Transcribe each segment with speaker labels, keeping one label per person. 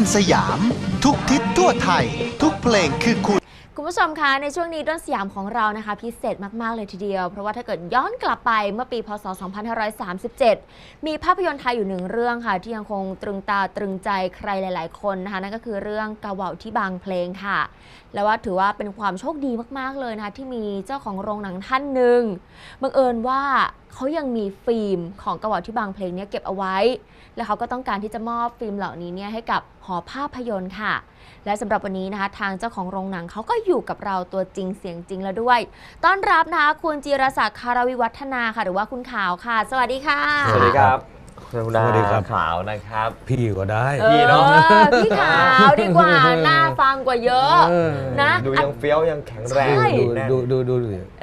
Speaker 1: สยามทุกทิศทั่วไทยทุกเพลงคือ
Speaker 2: คุณผู้ชมคะในช่วงนี้ด้นสยามของเรานะคะพิเศษมากๆเลยทีเดียวเพราะว่าถ้าเกิดย้อนกลับไปเมื่อปีพศ 2537 มีภาพยนตร์ไทยอยู่หนึ่งเรื่องค่ะที่ยังคงตรึงตาตรึงใจใครหลายๆคนนะคะนั่นก็คือเรื่องกะเหว่าที่บางเพลงค่ะและว่าถือว่าเป็นความโชคดีมากๆเลยนะคะที่มีเจ้าของโรงหนังท่านหนึ่งบังเอิญว่าเขายังมีฟิล์มของกะเหว่าที่บางเพลงนี้เก็บเอาไว้และเขาก็ต้องการที่จะมอบฟิล์มเหล่านี้ให้กับหอภาพยนตร์ค่ะและสำหรับวันนี้นะคะทางเจ้าของโรงหนังเขาก็อยู่กับเราตัวจริงเสียงจริงแล้วด้วยต้อนรับนะคะคุณจิรศักดิ์คารวิวัฒนาค่ะหรือว่าคุณขาวค่ะสวัสดีค่ะ
Speaker 3: สวัสดีครับคุณดาขาวนะครับ
Speaker 4: พี่ก็ได้
Speaker 3: พี่เนาะ
Speaker 2: พี่ขาวดีกว่าน่าฟังกว่าเยอะนะ
Speaker 3: ดูยังเฟี้ยวยังแข็งแรง
Speaker 4: ดู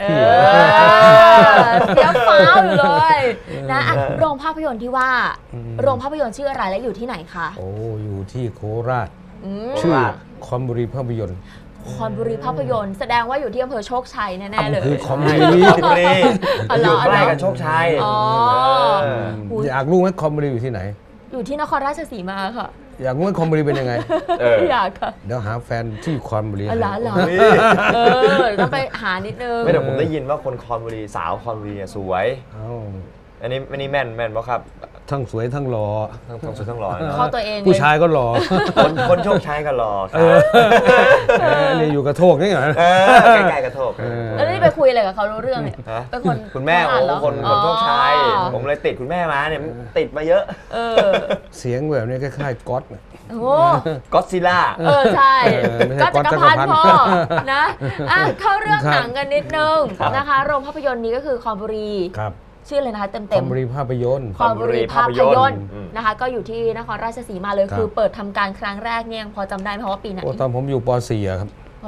Speaker 2: เฟี้ยวฟ้าวอยู่เลยนะโรงภาพยนตร์ที่ว่าโรงภาพยนตร์ชื่ออะไรและอยู่ที่ไหนคะ
Speaker 4: โอ้อยู่ที่โคราชชื่อคอมบุรีภาพยนตร์
Speaker 2: คอนบุรีภาพยนตร์แสดงว่าอยู่ที่อำเภอโชคชัยแน่ๆเลย
Speaker 4: คือคอมบุรี
Speaker 3: อยู่ใกล้กับโชคชัย
Speaker 4: อยากรู้ไหมคอมบุรีอยู่ที่ไหน
Speaker 2: อยู่ที่นครราชสีมาค่ะ
Speaker 4: อยากรู้ไหมคอมบุรีเป็นยังไง
Speaker 2: อยากค่ะ
Speaker 4: เดี๋ยวหาแฟนที่คอมบุรี
Speaker 2: เหรอต้องไปหานิดนึง
Speaker 3: ไม่แต่ผมได้ยินว่าคนคอนบุรีสาวคอนบุรีสวยอันนี้แม่นป่ะครับ
Speaker 4: ทั้งสวยทั้งหล่อ
Speaker 3: ทั้งสวยทั้งหล่อ
Speaker 2: เข้าตัวเอง
Speaker 4: ผู้ชายก็หล่อ
Speaker 3: คนโชคชัยก็หล่อ
Speaker 4: นี่อยู่กระโทกนี่เหรอ
Speaker 3: ใกล้ๆกระโทก
Speaker 2: แล้วนี่ไปคุยอะไรกับเขารู้เรื่องเนี่ยเป็นคน
Speaker 3: คุณแม่คนโชคชัยผมเลยติดคุณแม่มาเนี่ยติดมาเยอะ
Speaker 4: เสียงแบบนี้คล้ายๆก๊อต
Speaker 3: ก็อดซิลล่า
Speaker 2: ใช่ก็จักรพันธ์พ่อนะเข้าเรื่องหนังกันนิดนึงนะคะโรงภาพยนตร์นี้ก็คือคอมบุรีชื่อเลยนะคะเต็ม
Speaker 4: คอมบุรีภาพยนตร์
Speaker 2: คอมบุรีภาพยนตร์นะคะก็อยู่ที่นครราชสีมาเลยคือเปิดทำการครั้งแรกเนี่ยพอจำได้ไหมว่าปีไหน
Speaker 4: ตอนผมอยู่ป .4 ครับ
Speaker 2: ป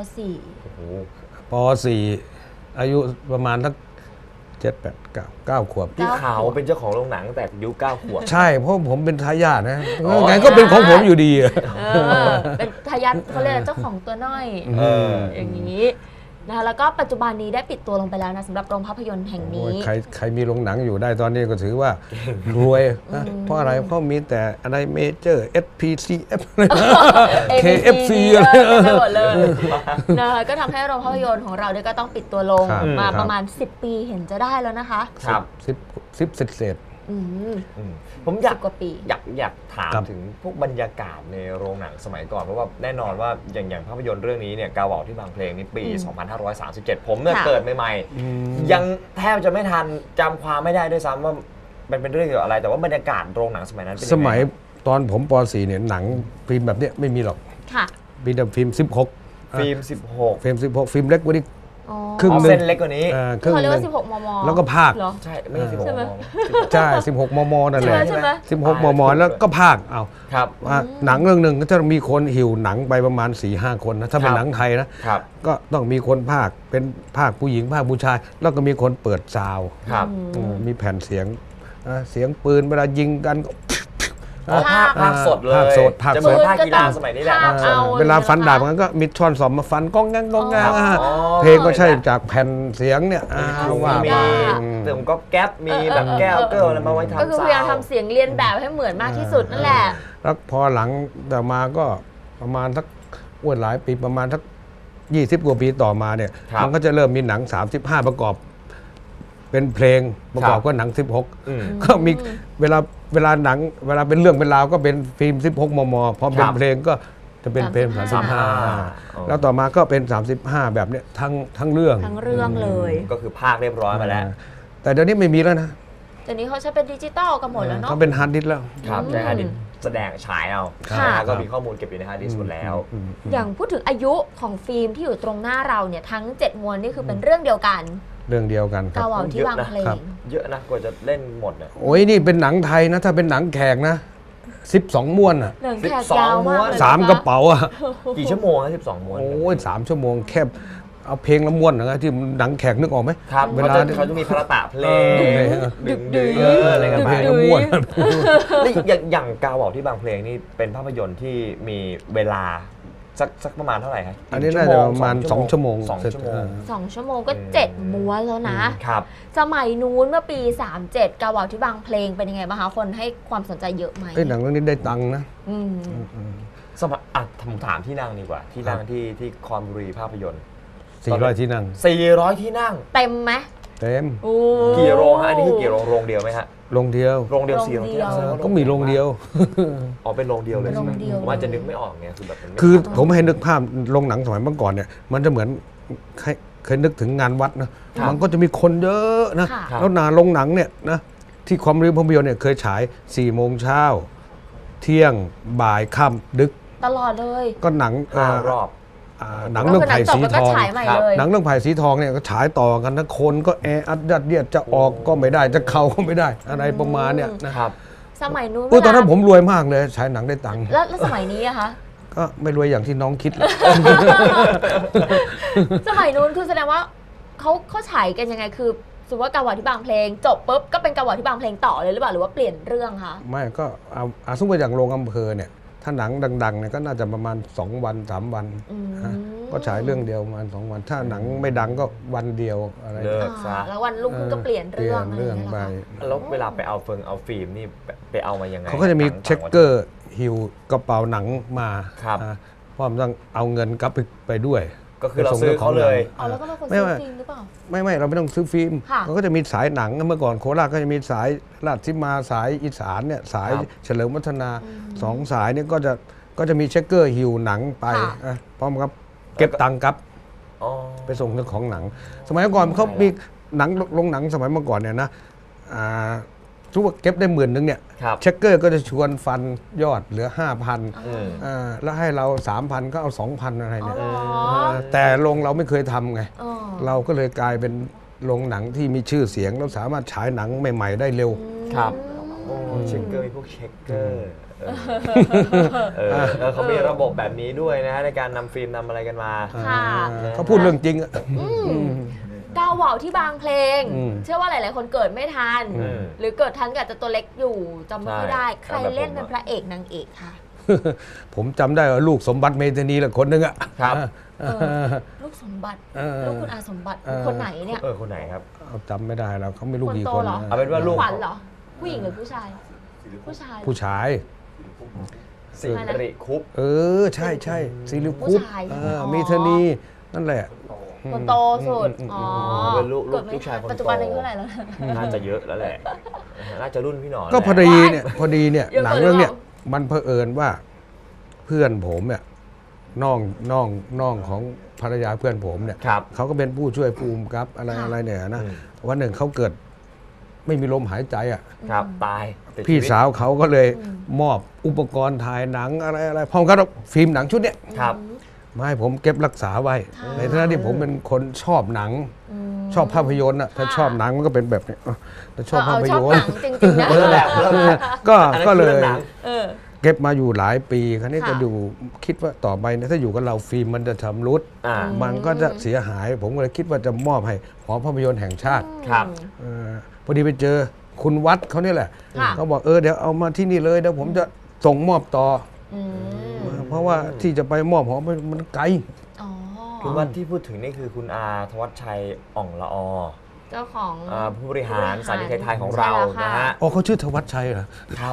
Speaker 2: .4
Speaker 4: ป .4 อายุประมาณสัก7 8 9 ขวบ
Speaker 3: พี่ขาวเป็นเจ้าของโรงหนังแต่อายุ9 ขวบ
Speaker 4: ใช่เพราะผมเป็นทายาทนะไงก็เป็นของผมอยู่ดี
Speaker 2: เป็นทายาทเขาเรียกเจ้าของตัวน้อยอย่างนี้นะคะแล้วก็ปัจจุบันนี้ได้ปิดตัวลงไปแล้วนะสำหรับโรงภาพยนตร์แห่งนี้
Speaker 4: ใครมีโรงหนังอยู่ได้ตอนนี้ก็ถือว่ารวยเพราะอะไรเพราะมีแต่อะไรเมเจอร์ SPCF KFC อะไร
Speaker 2: หมดเลยนะคะก็ทำให้โรงภาพยนตร์ของเราเนี่ยก็ต้องปิดตัวลงมาประมาณ10 ปีเห็นจะได้แล้วนะคะ
Speaker 3: ครับ
Speaker 4: 10เศษ
Speaker 3: ผมอยากถามถึงพวกบรรยากาศในโรงหนังสมัยก่อนเพราะว่าแน่นอนว่าอย่างภาพยนตร์เรื่องนี้เนี่ยกาเหว่าที่บางเพลงนี่ปี 2537 ผมเนี่ยเกิดใหม่ๆยังแทบจะไม่ทันจำความไม่ได้ด้วยซ้ำว่ามันเป็นเรื่องเกี่ยวกับอะไรแต่ว่าบรรยากาศโรงหนังสมัยนั้นเป็นยังไง
Speaker 4: สมัยตอนผมป .4 เนี่ยหนังฟิล์มแบบนี้ไม่มีหรอกมีแต่ฟิล์ม16
Speaker 3: ฟิล์ม
Speaker 4: 16ฟิล์มเล็กกว่านี้
Speaker 3: ครึ่งเส้นเล็กกว่านี้
Speaker 2: เขาเรียกว่า16 มม.
Speaker 4: แล้วก็ภาค
Speaker 3: ใช่ไม่ใช่16 มม.
Speaker 4: ใช่16 มม.นั่นแหละ16 มม.แล้วก็ภาคเอาหนังเรื่องหนึ่งก็จะมีคนหิวหนังไปประมาณ 4-5 คนนะถ้าเป็นหนังไทยนะก็ต้องมีคนภาคเป็นภาคผู้หญิงภาคผู้ชายแล้วก็มีคนเปิดซาวด์มีแผ่นเสียงปืนเวลายิงกัน
Speaker 3: ภาคสดเลยจะเหมือนภาคกีฬาสมัยนี้แหละ
Speaker 4: เวลาฟันดาบมันก็มีช้อนสอมมาฟันก้องงั้งเพลงก็ใช่จากแผ่นเสียงเนี่ยว่า
Speaker 3: เสียงก็แก๊ปมีแบบแก้วเกิลอะไรมาไว้ทำ
Speaker 2: ก็คือพยายามทำเสียงเรียนแบบให้เหมือนมากที่สุดนั่นแหละ
Speaker 4: แล้วพอหลังแต่มาก็ประมาณสักหลายปีประมาณสัก20 กว่าปีต่อมาเนี่ยมันก็จะเริ่มมีหนัง35ประกอบเป็นเพลงประกอบก็หนัง16ก็มีเวลาหนังเวลาเป็นเรื่องเป็นราวก็เป็นฟิล์ม16 มม.พอเป็นเพลงก็จะเป็นเพลง35แล้วต่อมาก็เป็น35แบบเนี้ยทั้งเรื่อง
Speaker 2: เลย
Speaker 3: ก็คือภาคเรียบร้อยมาแล้ว
Speaker 4: แต่เดี๋ยวนี้ไม่มีแล้วนะ
Speaker 2: เดี๋ยวนี้เขาใช้เป็นดิจิตอลกันหมดแล้วเนาะ
Speaker 4: เขาเป็นฮาร์ดดิสก์แล้ว
Speaker 3: ครับใช้ฮาร์ดดิสก์แสดงฉายเอาก็มีข้อมูลเก็บอยู่ในฮาร์ดดิสก์หมดแล้ว
Speaker 2: อย่างพูดถึงอายุของฟิล์มที่อยู่ตรงหน้าเราเนี่ยทั้ง7 ม้วนนี่คือเป็นเรื่องเดียวกัน
Speaker 4: เรื่องเดียวกัน
Speaker 2: กาเหว่าที่บางเพลง
Speaker 3: เยอะนะกว่าจะเล่นหมดเนี่ย
Speaker 4: โอ้ยนี่เป็นหนังไทยนะถ้าเป็นหนังแขกนะ12 ม้วนอ่ะ
Speaker 2: หนังแขกยาวมาก
Speaker 4: 3 กระเป๋าอ่ะ
Speaker 3: กี่ชั่วโมงนะ12 ม้วน
Speaker 4: โอ้ย3 ชั่วโมงแค่เอาเพลงละม้วนนะที่หนังแขกนึกออกไหม
Speaker 3: ครับเวลาเขาจะมีพระตะเพลงดึงอะไรกันไป
Speaker 4: ม้วน
Speaker 3: อย่างกาเหว่าที่บางเพลงนี่เป็นภาพยนตร์ที่มีเวลาสักประมาณเท่าไหร่ครับ
Speaker 4: อันนี้น่าจะประมาณ2 ชั่วโมง
Speaker 2: 2 ชั่วโมงก็7 ม้วนแล้วนะครับสมัยนู้นเมื่อปี37กาเหว่าที่บางเพลงเป็นยังไงบ้างคะคนให้ความสนใจเยอะไหม
Speaker 4: หนังเรื่องนี้ได้ตังค์นะ
Speaker 3: สมัยผมถามที่นั่งดีกว่าที่นั่งที่คอนบุรีภาพยนตร์
Speaker 4: 400 ที่นั่ง
Speaker 3: 400 ที่นั่ง
Speaker 2: เต็มไหม
Speaker 4: เต็ม
Speaker 2: โอ้
Speaker 3: กี่โรงฮะอันนี้คือกี่โรงเดียวไหมฮะ
Speaker 4: โรงเดียว
Speaker 3: โรงเดียว
Speaker 2: โรง
Speaker 3: 400 ที่นั่ง
Speaker 2: เดียว
Speaker 4: ก็มีโรงเดียว
Speaker 3: อ๋อเป็นโรงเดียวเลยใช่ไหม
Speaker 2: โรงเดียว
Speaker 3: ผมอาจจะนึกไม่ออกไงคือแบบมันไม่
Speaker 4: คือผมให้นึกภาพโรงหนังสมัยเมื่อก่อนเนี่ยมันจะเหมือนเคยนึกถึงงานวัดนะมันก็จะมีคนเยอะนะ
Speaker 2: ค่ะ
Speaker 4: แล้วโรงหนังเนี่ยนะที่ความรีภาพยนตร์เนี่ยเคยฉาย4 โมงเช้าเที่ยงบ่ายค่ำดึก
Speaker 2: ตลอดเลย
Speaker 4: ก็หนัง
Speaker 3: 5 รอบ
Speaker 4: หนังเรื่องไผ่สีทอง
Speaker 2: ก็คือหนังจบแล้วก็ฉายใหม่เลย
Speaker 4: หนังเรื่องไผ่สีทองเนี่ยก็ฉายต่อกันนะคนก็แออัดยัดเยียดจะออกก็ไม่ได้จะเข้าก็ไม่ได้อะไรประมาณเนี่ยนะครับ
Speaker 2: สมัยนู้น
Speaker 4: ตอนนั้นผมรวยมากเลยฉายหนังได้ตังค์
Speaker 2: แล้วสมัยนี้อะคะ
Speaker 4: ก็ไม่รวยอย่างที่น้องคิดเลย
Speaker 2: สมัยนู้นคือแสดงว่าเขาฉายกันยังไงคือสมมติว่าการวอที่บางเพลงจบปุ๊บก็เป็นการวอที่บางเพลงต่อเลยหรือเปล่าหรือว่าเปลี่ยนเรื่องคะ
Speaker 4: ไม่ก็เอาสมมติอย่างโรงอำเภอเนี่ยถ้าหนังดังๆเนี่ยก็น่าจะประมาณ2 วัน 3 วันนะก็ฉายเรื่องเดียวประมาณ2 วัน ถ้าหนังไม่ดังก็วันเดียวอะไร
Speaker 3: เลิกซะ
Speaker 2: แล้ววันรุ่งขึ้นก็เปลี่ยน
Speaker 4: เปลี่
Speaker 2: เรื่
Speaker 4: ย
Speaker 2: อง
Speaker 4: นเรื่อง
Speaker 2: ะ
Speaker 4: ไป
Speaker 2: ไรย่างเงี้ยเหรอคะ
Speaker 3: แล้วเวลาไปเอาฟิล์มนี่ไปเอามายังไง
Speaker 4: เขาก็จะมี
Speaker 3: ต่าง
Speaker 4: เช็คเกอร์หิวกระเป๋าหนังมา
Speaker 3: ครับ
Speaker 4: เพราะมันต้องเอาเงินกลับไปด้วย
Speaker 3: ก็คือเราซื้อเขาเลย
Speaker 2: อ๋อแล้วก็เป็นคน
Speaker 4: ไม่
Speaker 2: ซื้อ
Speaker 4: ว่า
Speaker 2: ฟิล์มหรือเปล่า
Speaker 4: ไม่เราไม่ต้องซื้อฟิล์ม
Speaker 2: ค่ะ
Speaker 4: มันก็จะมีสายหนังเมื่อก่อนโคราชก็จะมีสายราชสีมาสายอีสานเนี่ยสาย
Speaker 3: ครับ
Speaker 4: เฉลิมวัฒนา2 สายเนี่ยก็จะมีเช็คเกอร์หิวหนังไปพร้อมครับเก็บตังค์ครับ
Speaker 3: อ๋อ
Speaker 4: ไปส่งเจ้าของหนัง สมัยก่อนเขามีหนังโรงหนังสมัยเมื่อก่อนเนี่ยนะทุกว่าเก็บได้10,000เนี่ย
Speaker 3: ครับ
Speaker 4: เช็คเกอร์ก็จะชวนฟันยอดเหลือ 5,000
Speaker 3: อืม
Speaker 4: แล้วให้เรา 3,000 ก็เอา 2,000 อะไรเนี่ย
Speaker 2: อ๋อเหรอ
Speaker 4: แต่โรงเราไม่เคยทำไง
Speaker 2: อ๋อ
Speaker 4: เราก็เลยกลายเป็นโรงหนังที่มีชื่อเสียงแล้วสามารถฉายหนังใหม่ๆได้เร็ว
Speaker 3: ครับโอ้เช็คเกอร์มีพวกเช็คเกอร์เขามีระบบแบบนี้ด้วยนะฮะในการนำฟิล์มนำอะไรกันมา
Speaker 2: ค่ะ
Speaker 4: เขาพูดเรื่องจริงอะ
Speaker 2: ก้าวว่าวที่บางเพลง
Speaker 4: อืม
Speaker 2: เชื่อว่าหลายๆคนเกิดไม่ทัน
Speaker 3: อืม
Speaker 2: หรือเกิดทันก็อาจจะตัวเล็กอยู่จำไม่ค่อยได้
Speaker 3: ใช่
Speaker 2: ใครเล่นเป็นพระเอกนางเอกค่ะ
Speaker 4: ผมจำได้ว่าลูกสมบัติเมธานีแหละคนหนึงอะ
Speaker 3: ครับ
Speaker 2: ลูกสมบัติ
Speaker 4: เออ
Speaker 2: ลูกคุณอาสมบัติคนไหนเนี่ย
Speaker 3: คนไหนครับ
Speaker 4: เอาจำไม่ได้แล้วเขาไม่รู้
Speaker 2: คน
Speaker 4: กี่
Speaker 2: โต
Speaker 4: คน
Speaker 2: เหรอ
Speaker 4: นะ
Speaker 3: เอาเป็นว่าลูก
Speaker 2: ขวัญเหรอ ผู้หญิงหรือผู้ชาย ผู้ชาย
Speaker 4: ผู้ชาย
Speaker 3: สิริคุป
Speaker 4: ใช่ใช่สิริ
Speaker 2: ผู้
Speaker 4: คุป
Speaker 2: ชาย
Speaker 4: เมธานีนั่นแหละ
Speaker 2: คนโตสุด อ๋อ
Speaker 3: เป็นลูก
Speaker 2: เกิดไม่
Speaker 3: ลูกชาย
Speaker 2: ทัน
Speaker 3: คนโต
Speaker 2: ปัจจุบันอายุเท่าไหร่แล้ว
Speaker 3: น่าจะเยอะแล้วแหละน่าจะรุ่นพี่หนอน
Speaker 4: ก็
Speaker 3: แหละ
Speaker 4: พอดีเนี่ย
Speaker 2: เยอะ
Speaker 4: หนัง
Speaker 2: ไป
Speaker 4: เรื่องเนี้ย
Speaker 2: หรือเปล่
Speaker 4: มันเผอิญว่าเพื่อนผมเนี่ยน้องของภรรยาเพื่อนผมเนี่ย
Speaker 3: ครับ
Speaker 4: เขาก็เป็นผู้ช่วยภูมิกับอะไรเนี่ยนะ
Speaker 3: อืม
Speaker 4: วันหนึ่งเขาเกิดไม่มีลมหายใจอ่ะ
Speaker 3: ครับตายติด
Speaker 4: พี่
Speaker 3: ชีวิต
Speaker 4: สาวเขาก็เลยมอบอุปกรณ์ถ่ายหนังอะไรพร้อมกับฟิล์มหนังชุดเนี้ย
Speaker 3: ครับ
Speaker 4: มาให้ผมเก็บรักษาไว้ ในฐานะที่ผมเป็นคนชอบหนัง ชอบภาพยนตร์อ่ะถ้าชอบหนังมันก็เป็นแบบนี้ถ้าชอบภาพย
Speaker 2: ชอบ
Speaker 4: น
Speaker 2: ห
Speaker 4: ต
Speaker 2: นั
Speaker 4: ร์
Speaker 2: งจริงๆนะ
Speaker 3: เออแหละเริ่มแหละ
Speaker 4: ก็
Speaker 3: อันนั้น
Speaker 4: ก็เล
Speaker 3: คือย หนัง
Speaker 2: เออ
Speaker 4: เก็บมาอยู่หลายปีครั้นี้
Speaker 2: ค่ะ
Speaker 4: จะดูคิดว่าต่อไปเนี่ยถ้าอยู่กับเราฟิล์มมันจะชำรุด
Speaker 3: อ่า
Speaker 4: มันก็จะเสียหาย ผมก็เลยคิดว่าจะมอบให้หอภาพยนตร์แห่งชาติ
Speaker 3: ครับ
Speaker 4: พอดีไปเจอคุณวัดเขาเนี่ยแหละ
Speaker 2: ค่ะ
Speaker 4: เขาบอกเดี๋ยวเอามาที่นี่เลยเดี๋ยวผมจะส่งมอบต่อ
Speaker 2: อืม
Speaker 4: เพราะว่าที่จะไปมอบหอมันไกล
Speaker 2: อ๋อ
Speaker 3: คุณวัดที่พูดถึงนี่คือคุณอาธวัชชัยอ่องละอ
Speaker 2: เจ้าของ
Speaker 3: ผู้บริหารสถานีไทยๆของเรา
Speaker 2: ใช่แล้วค่ะ
Speaker 3: นะฮะ
Speaker 4: อ๋อเขาชื่อธวัชชัยเหรอ
Speaker 3: ครับ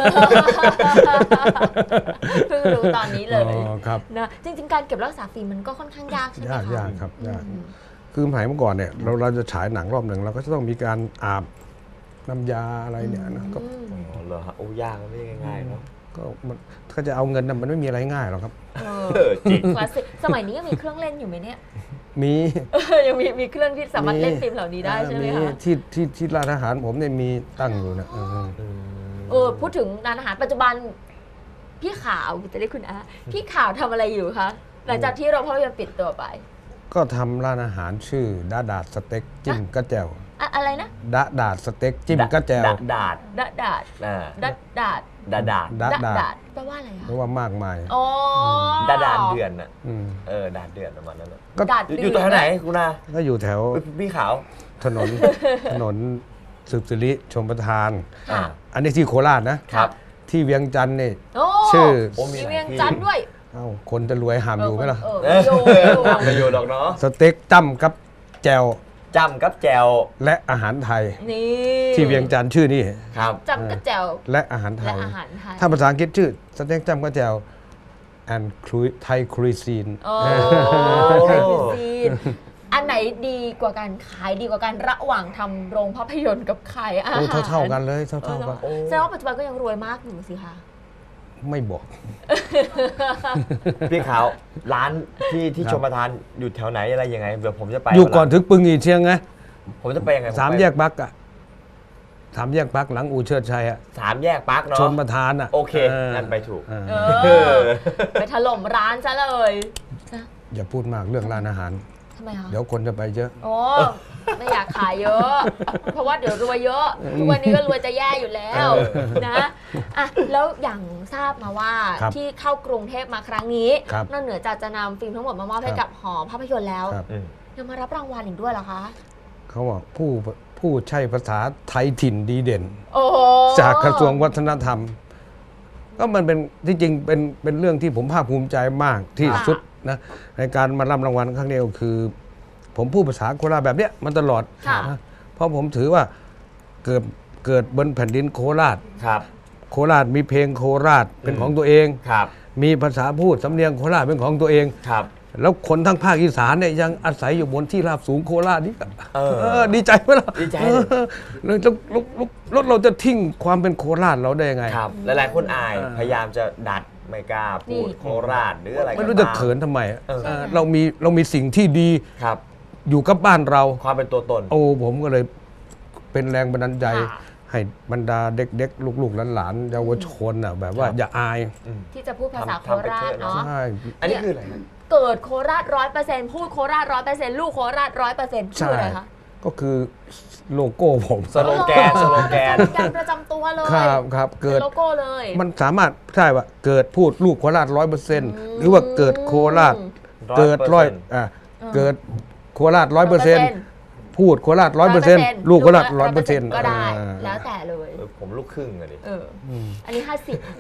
Speaker 2: เพิ่งรู้ตอนนี้เลย
Speaker 4: อ๋อครับ
Speaker 2: นะจริง ๆ การเก็บรักษาฟิล์มมันก็ค่อนข้างยากใช่ไหมคะ
Speaker 4: ยากครับยากคือสมัยเมื่อก่อนเนี่ยเราจะฉายหนังรอบหนึ่งเราก็จะต้องมีการอาบน้ำยาอะไรเนี่ยนะก็
Speaker 3: อ๋อเหรอฮะโอ้ยากมันไม่ง่ายๆเนาะ
Speaker 4: ก็มันถ้าจะเอาเงินน่ะมันไม่มีอะไรง่ายหรอกครับ
Speaker 3: จริง
Speaker 2: คลาสสิกสมัยนี้ยังมีเครื่องเล่นอยู่ไหมเนี่ย
Speaker 4: มี
Speaker 2: ยังมีเครื่องที่สามารถเล่นฟิล์มเหล่านี้ได้ใช่ไหมคะ
Speaker 4: ที่ร้านอาหารผมเนี่ยมีตั้งอยู่นะ
Speaker 2: พูดถึงร้านอาหารปัจจุบันพี่ขาวจะได้คุณอาพี่ขาวทำอะไรอยู่คะหลังจากที่โรงภาพยนตร์ปิดตัวไป
Speaker 4: ก็ทำร้านอาหารชื่อดาดาดสเต็กจิ้มกระแจว
Speaker 2: อะไรนะ
Speaker 4: ดาดาดสเต็กจิ้มกระแจว
Speaker 3: ดาด
Speaker 2: ดัดดาด
Speaker 3: อ่า
Speaker 2: ดัดดาด
Speaker 3: ดาด
Speaker 4: ดาดาด
Speaker 2: แปลว่าอะไรคะ
Speaker 4: เพราะว่ามากมาย
Speaker 2: อ๋อ
Speaker 3: ดาดเดือนน่ะ
Speaker 4: อืม
Speaker 3: ดาดเดือนประมาณนั้นน่ะ
Speaker 4: ก็
Speaker 2: ดาดเดื
Speaker 3: อยู่ตรงไหนคุณอา
Speaker 4: ก็อยู่แถว
Speaker 3: พี่ขาว
Speaker 4: ถนน ถนนสืบสิริชมประทาน
Speaker 2: ค่ะ
Speaker 4: อันนี้ที่โคราชนะ
Speaker 3: ครับ
Speaker 4: ที่เวียงจันทร์นี่
Speaker 2: โอ้
Speaker 4: ชื่อ
Speaker 3: โอ้มี
Speaker 2: มี
Speaker 3: หลาย
Speaker 2: เวียง
Speaker 3: ที่
Speaker 2: จันทร์ด้วย
Speaker 4: เอ้าคนจะรวยหามอยู่ไหมล่ะ
Speaker 3: ทำไปอยู่ดอกเนาะ
Speaker 4: สเต็กจ้ำกับแจว
Speaker 3: จำกับแจว
Speaker 4: และอาหารไทย
Speaker 2: นี่
Speaker 4: ที่เวียงจันทร์ชื่อนี่
Speaker 3: ครับ
Speaker 2: จำกระแจว
Speaker 4: และอาหารไท
Speaker 2: และ
Speaker 4: ย
Speaker 2: อาหารไทย
Speaker 4: ถ้าภาษาอังกฤษชื่อสเต็กจ้ำกับแจว and Thai cuisine
Speaker 2: โอ้ไทยคุยซีนอันไหนดีกว่ากันขายดีกว่ากันระหว่างทำโรงภาพยนตร์กับขายอาหาร
Speaker 4: โอ้เท่ากันเลยเท่ากัน
Speaker 2: แสดงว่าปัจจุบันก็ยังรวยมากอยู่สิคะ
Speaker 4: ไม่บอก
Speaker 3: พี่ขาวร้านที่ชมประทานอยู่แถวไหนอะไรยังไงเดี๋ยวผมจะไป
Speaker 4: อยู่ก่อนถึงปึงอีเชียงไง
Speaker 3: ผมจะไปยังไง
Speaker 4: 3 แยกปักอะ3 แยกปักหลังอู่เชิดชัยอะ
Speaker 3: 3 แยกปาร์คเนาะ
Speaker 4: ชนประธานอะ
Speaker 3: โอเคนั่นไปถูก
Speaker 2: ไปถล่มร้านซะเลยนะ
Speaker 4: อย่าพูดมากเรื่องร้านอาหาร
Speaker 2: ทำไมคะ
Speaker 4: เดี๋ยวคนจะไปเยอะ
Speaker 2: โอ้ไม่อยากขายเยอะ เพราะว่าเดี๋ยวรวยเยอะทุกวันนี้ก็รวยจะแย่อยู่แล้วนะอ่ะแล้วอย่างทราบมาว่า
Speaker 4: ครับ
Speaker 2: ที่เข้ากรุงเทพมาครั้งนี้
Speaker 4: ครับ
Speaker 2: นอกเหนือจากจะนำฟิล์มทั้งหมดมามอบให้
Speaker 4: ครั
Speaker 2: กับบ หอภาพยนตร์แล้ว
Speaker 4: ครับ
Speaker 2: ยังมารับรางวัลอีกด้วยเหรอคะ
Speaker 4: เขาว่าผู้ใช้ภาษาไทยถิ่นดีเด่น
Speaker 2: โอ้โห
Speaker 4: จากกระทรวงวัฒนธรรม ก็มันเป็นที่จริงเป็นเรื่องที่ผมภาคภูมิใจมากที่สุดนะในการมารับรางวัลครั้งนี้ก็คือ ผมพูดภาษาโคราชแบบเนี้ยมันตลอด
Speaker 2: ค่ะ
Speaker 4: นะเพราะผมถือว่าเกิดบนแผ่นดินโคราช
Speaker 3: ครับ
Speaker 4: โคราชมีเพลงโคราชเป็นของตัวเอง
Speaker 3: ครับ
Speaker 4: มีภาษาพูดสำเนียงโคราชเป็นของตัวเอง
Speaker 3: ครับ
Speaker 4: แล้วคนทั้งภาคอีสานเนี่ยยังอาศัยอยู่บนที่ราบสูงโคราชนี่ ดีใจไหมล่ะ
Speaker 3: ดีใจ
Speaker 4: แล้วเราจะทิ้งความเป็นโคราชเราได้ยังไง
Speaker 3: ครับหลายๆคนอายพยายามจะดัดไม่กล้าพูดโคราชหรืออะไรก็
Speaker 4: ไม่รู้จะเขินทำไม เรามีสิ่งที่ดี
Speaker 3: ครับ
Speaker 4: อยู่กับบ้านเรา
Speaker 3: ความเป็นตัวตน
Speaker 4: โอ้ผมก็เลยเป็นแรงบันดาลใจ
Speaker 2: ค่ะ
Speaker 4: ให้บรรดาเด็กๆ ลูกๆหลานๆเยาวชนอ่ะแบบว่า
Speaker 3: ครับ
Speaker 4: อย่าอาย
Speaker 2: ที่จะพูดภาษาโค
Speaker 3: ทำไป
Speaker 2: รา
Speaker 3: เถ
Speaker 2: ช
Speaker 3: อะเนอะ
Speaker 2: เนาะ
Speaker 4: ใช่
Speaker 3: อันนี้คืออะไรนะ
Speaker 2: เกิดโคราช100%พูดโคราช100%ลูกโคราช100%ชื่ออะไรคะ
Speaker 4: ก็คือโลโก้ผม
Speaker 3: สโลแกน
Speaker 2: สโลแกนประจำตัวเลย
Speaker 4: ครับเกิด
Speaker 2: โลโก้เลย
Speaker 4: มันสามารถใช่ว่าเกิดพูดลูกโคราช100%หรือว่าเกิดโคราช
Speaker 3: 100%
Speaker 4: เกิดเกิดโคราช100%พูดโคราช100%ลูกโคราช100%
Speaker 2: ก็ได้ แล้วแต่เลย
Speaker 3: ผมลูกครึ่งอะดิ
Speaker 2: อันนี้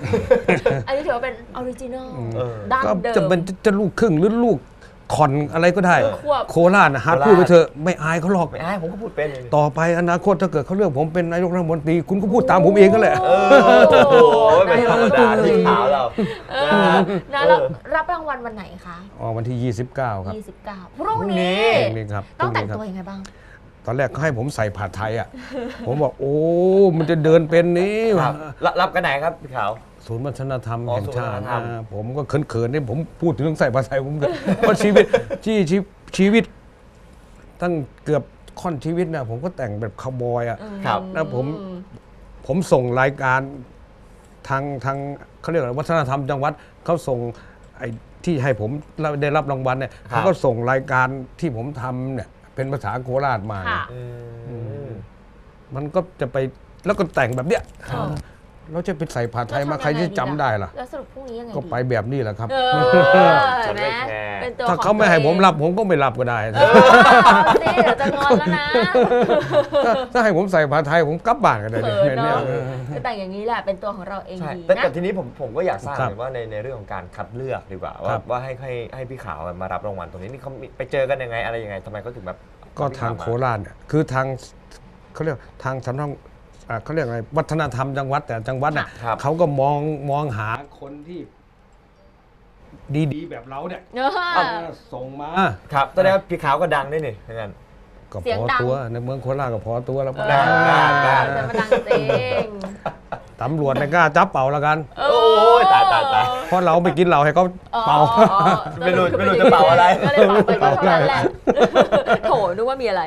Speaker 2: 50 อันนี้ถือว่าเป็นออริจินอลดั้ง
Speaker 4: ก็
Speaker 2: เดิม
Speaker 4: จะเป็นจะลูกครึ่งหรือลูกคอนอะไรก็ได้
Speaker 2: ควบ
Speaker 4: โคราชนะฮะพูดไปเถอะไม่อายเขาหรอก
Speaker 3: ไม่อายผมก็พูดเป็นเลย
Speaker 4: ต่อไปอนาคตถ้าเกิดเขาเลือกผมเป็นนายกรัฐมนตรีคุณก็พูดตามผมเองก็แหละ
Speaker 3: โอ้โหไม่ธรรมดาที่ขาวเรา
Speaker 2: นะแล้วรับรางวัลวันไหนคะ
Speaker 4: วันที่ 29 ครับ
Speaker 2: 29 พรุ่งนี้
Speaker 4: พรุ่งนี้ครับ
Speaker 2: ต้องแต่ง
Speaker 4: พรุ่
Speaker 2: ตัว
Speaker 4: นี้ครับ
Speaker 2: ยังไงบ้าง
Speaker 4: ตอนแรกเขาให้ผมใส่ผ้าไทยอ่ะ ผมบอกโอ้มันจะเดินเป็นนี้
Speaker 3: ครับรับกันไหนครับพี่ขาว
Speaker 4: ศูนย์วัฒนธรรม
Speaker 3: อ๋อ
Speaker 4: แห่งชา
Speaker 3: ศูนย์วัฒน
Speaker 4: ติ
Speaker 3: ธรรม
Speaker 4: ผมก็เขินๆนี่ผมพูดถึงเรื่องใส่ผ้าไทยผมเกิด เพราะชีวิตตั้งเกือบค่อนชีวิตนะผมก็แต่งแบบคาวบอยอ่ะ
Speaker 3: ครับ
Speaker 4: แล้วผมส่งรายการทางเขาเรียกอะไรวัฒนธรรมจังหวัดเขาส่งไอ้ที่ให้ผมได้รับรางวัลเนี่ย
Speaker 3: ครับ
Speaker 4: เขาก็ส่งรายการที่ผมทำเนี่ยเป็นภาษาโคราชมา
Speaker 2: ค่ะ
Speaker 4: มันก็จะไปแล้วก็แต่งแบบเนี้ย
Speaker 2: ครับ
Speaker 4: เราจะไปใส่ผ้าไทยมาใครจะจำได้ล่ะ
Speaker 2: แล้วสรุปพรุ่งนี้ยังไง
Speaker 4: ก็ไปแบบนี้แหละครับ
Speaker 2: เห็นไหมเป็นตัว
Speaker 4: ถ้าเขาไม่ให้ผมรับผมก็ไม่รับก็ได้
Speaker 2: นี่เดี๋ยวจะงอนแล้วนะ
Speaker 4: ถ้าให้ผมใส่ผ้าไทยผมกลับบ้านกันเลย
Speaker 2: เขิน
Speaker 4: เนี่ย
Speaker 2: เนาะจะแต่งอย่างนี้แหละเป็นตัวของเราเอง
Speaker 3: ใช่
Speaker 2: ดี
Speaker 3: แต่
Speaker 2: นะ
Speaker 3: ทีนี้ผมก็อยากทราบ
Speaker 4: ครับ
Speaker 3: เลยว่าในเรื่องของการคัดเลือกดีกว่า
Speaker 4: ครับ
Speaker 3: ว่าให้พี่ขาวมารับรางวัลตรงนี้นี่เขาไปเจอกันยังไงอะไรยังไงทำไมเขาถึงแบบ
Speaker 4: ก็ทางโคราชเนี่ยคือทางเขาเรียกทางสำนักเขาเรียกอะไรวัฒนธรรมจังหวัดแต่จังหวัดน่ะ
Speaker 3: ครับ
Speaker 4: เขาก็มองหาคนที่ดีๆแบบเราเนี่ยส่งมา
Speaker 3: ครับแสดงว่าพี่ขาวก็ดังด้วยนี่ทั้งนั้น
Speaker 4: ก็
Speaker 2: เสีย
Speaker 4: พ
Speaker 2: ง
Speaker 4: อ
Speaker 2: ดัง
Speaker 4: ตัวในเมืองโคราชก็พอตัวแล้ว
Speaker 3: ได้
Speaker 2: จะมาดังจริง
Speaker 4: ตำรวจไม่กล้าจับเป่าแล้วกัน
Speaker 3: โอ้ยตาย
Speaker 4: เพราะเราไปกินเหล้าให้เขาเป่า
Speaker 3: ไม่รู้จะเป่าอะไร
Speaker 2: ก็เลยเป่าไปก็เท่านั้นแหละโถนึกว่ามีอะไร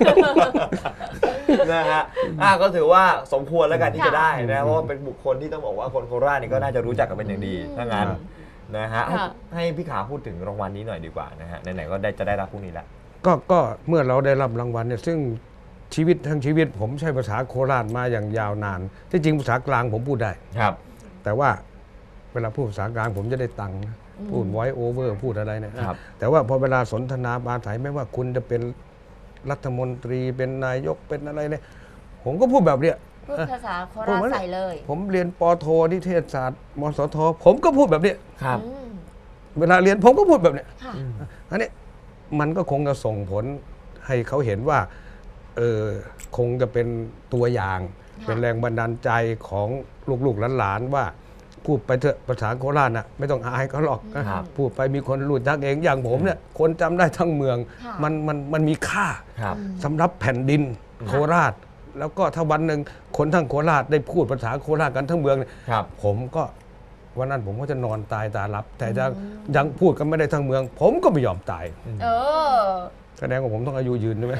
Speaker 3: นะฮะก็ถือว่าสมควรแล้วกันที่
Speaker 2: ค่ะ
Speaker 3: จะได้นะเพราะว่าเป็นบุคคลที่ต้องบอกว่าคนโคราชนี่ก็น่าจะรู้จักกันเป็นอย่างดีถ้างั้นนะฮะ
Speaker 2: ค่ะ
Speaker 3: ให้พี่ขาวพูดถึงรางวัลนี้หน่อยดีกว่านะฮะไหนๆก็จะได้รับพรุ่งนี้แล้ว
Speaker 4: ก็เมื่อเราได้รับรางวัลเนี่ยซึ่งทั้งชีวิตผมใช้ภาษาโคราชมาอย่างยาวนานที่จริงภาษากลางผมพูดได้
Speaker 3: ครับ
Speaker 4: แต่ว่าเวลาพูดภาษากลางผมจะได้ตังค์นะพูด voice over พูดอะไรเนี่ย
Speaker 3: ครับ
Speaker 4: แต่ว่าพอเวลาสนทนาปราศัยไม่ว่าคุณจะเป็นรัฐมนตรีเป็นนายกเป็นอะไรเนี่ยผมก็พูดแบบเนี้ย
Speaker 2: พูดภาษาโคราชใส่เลย
Speaker 4: ผมเรียนปโทนิเทศศาสตร์มสทผมก็พูดแบบเนี้ย
Speaker 3: ครับ
Speaker 2: อืม
Speaker 4: เวลาเรียนผมก็พูดแบบเนี้ย
Speaker 2: ค่ะ
Speaker 4: อันนี้มันก็คงจะส่งผลให้เขาเห็นว่าคงจะเป็นตัวอย่าง
Speaker 2: ค่ะ
Speaker 4: เป็นแรงบันดาลใจของลูกๆหลานๆว่าพูดไปเถอะภาษาโคราชน่ะไม่ต้องอายเขาหรอกนะครับ พูดไปมีคนรู้จักเองอย่างผมเนี่ยคนจำได้ทั้งเมือง
Speaker 2: ค่ะ
Speaker 4: มันมีค่า
Speaker 3: ครับ
Speaker 4: สำหรับแผ่นดินโคราช แล้วก็ถ้าวันหนึ่งคนทั้งโคราชได้พูดภาษาโคราชกันทั้งเมืองเนี่ย
Speaker 3: ครับ
Speaker 4: ผมก็วันนั้นผมก็จะนอนตายตาลับ แต่ยังพูดกันไม่ได้ทั้งเมือง ผมก็ไม่ยอมตาย
Speaker 2: เออ
Speaker 4: แสดงว่าผมต้องอายุยืนใช่ไหม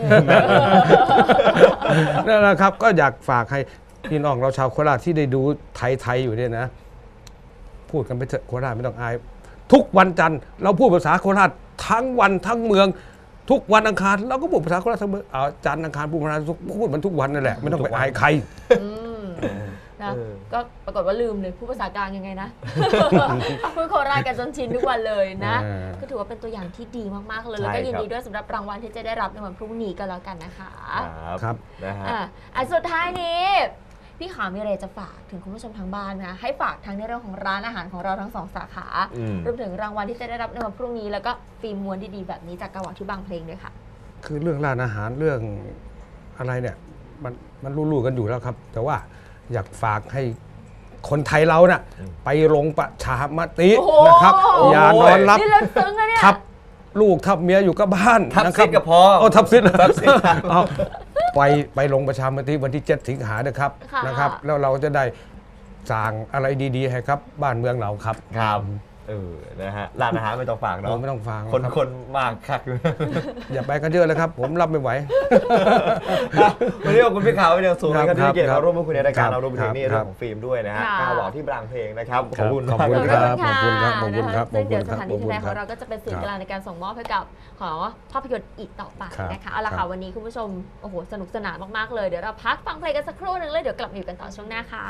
Speaker 4: นั่นแหละครับก็อยากฝากให้พี่น้องเราชาวโคราชที่ได้ดูไทยๆอยู่เนี่ยนะ พูดกันไปเถอะโคราชไม่ต้องอาย ทุกวันจันทร์เราพูดภาษาโคราชทั้งวันทั้งเมือง ทุกวันอังคารเราก็พูดภาษาโคราชทั้งเมืองจันทร์อังคารพูดภาษาพูดมันทุกวันนั่นแหละไม่ต้องไปอายใคร
Speaker 2: อืมนะก็ปรากฏว่าลืมเลยพูดภาษากลางยังไงนะ พูดโคราชกันจนชินทุกวันเลยนะ ก็ถือว่าเป็นตัวอย่างที่ดีมากๆเลยแล้วก็ยินดีด้วยสำหรับรางวัลที่จะได้รับในวันพรุ่งนี้ก็แล้วกันนะคะ
Speaker 4: ครับ
Speaker 3: นะฮะ
Speaker 2: สุดท้ายนี้ พี่ขามีอะไรจะฝากถึงคุณผู้ชมทางบ้านนะให้ฝากทั้งในเรื่องของร้านอาหารของเราทั้ง2 สาขารวมถึงรางวัลที่จะได้รับในวันพรุ่งนี้แล้วก็ฟิล์มม้วนดีๆแบบนี้จากกาวที่บางเพลงด้วยค่ะ
Speaker 4: คือเรื่องร้านอาหารเรื่องอะไรเนี่ยมันรู้ๆกันอยู่แล้วครับ แต่ว่าอยากฝากให้คนไทยเราน่ะไปลงประชามติ
Speaker 2: โอ้โห
Speaker 4: นะครับ อย่านอนรับ
Speaker 2: นี่เลิศซึ้งอะเนี่ย
Speaker 4: ทับลูกทับเมียอยู่กับบ้าน
Speaker 3: ทับ
Speaker 4: นะค
Speaker 3: ซิ
Speaker 4: รั
Speaker 3: ดกับพ่อ
Speaker 4: โอ้ทับซิด
Speaker 3: ทับซิด
Speaker 4: เอาไปลงประชามติวันที่ 7 สิงหานะครับ
Speaker 2: ค่ะ
Speaker 4: นะครับ แล้วเราจะได้สร้างอะไรดีๆให้ครับบ้านเมืองเราครับ
Speaker 3: ครับนะฮะร้านอาหารไม่ต้องฝากเนาะ
Speaker 4: เราไม่ต้องฟัง
Speaker 3: คน
Speaker 4: ครับ
Speaker 3: คนมากคักอยู่
Speaker 4: อย่าไปกันเยอะเลยครับ ผมรับไม่ไหว
Speaker 3: วันนี้ขอบคุณพี่ขาวเป็นอย่างสูงนะครับที่ให้เกียรติ
Speaker 4: ครับ
Speaker 3: มาร่วมพูดคุยในรายการ
Speaker 4: ครับ
Speaker 3: เรารวมไปถึงนี่
Speaker 4: ค
Speaker 3: เรื่
Speaker 4: รั
Speaker 3: อบ งของฟิล์มด้วยนะฮะ
Speaker 2: ค่ะ
Speaker 3: กาวบอกที่บางเพลงนะครับขอบคุณ
Speaker 4: ขอบ
Speaker 3: มาก
Speaker 4: คุณ
Speaker 3: เลย
Speaker 4: ครับ ขอบคุณครับขอบคุณครับ
Speaker 2: ซึ่งเดี๋ยว
Speaker 4: ขอบคุณครับ
Speaker 2: สถานที่ที่แรก
Speaker 4: ข
Speaker 2: ข
Speaker 4: อ
Speaker 2: อบ ง
Speaker 4: คุณ
Speaker 2: เราก็จะเป็นสื่อ
Speaker 4: ครับ
Speaker 2: กลางในการส่งมอบให้กับของภาพยนตร์อีกต่อไป
Speaker 4: ครับ
Speaker 2: นะคะเอาละ
Speaker 4: ครั
Speaker 2: ค่ะ
Speaker 4: บ
Speaker 2: วันนี้คุณผู้ชมโอ้โหสนุกสนานมากๆเลยเดี๋ยวเราพักฟังเพลงกันสักครู่หนึงเลยเดี๋ยวกลับมาอยู่กันต่อช่วงหน้าค่ะ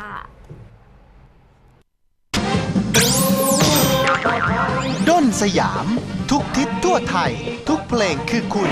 Speaker 1: ด้นสยาม ทุกทิศทั่วไทย ทุกเพลงคือคุณ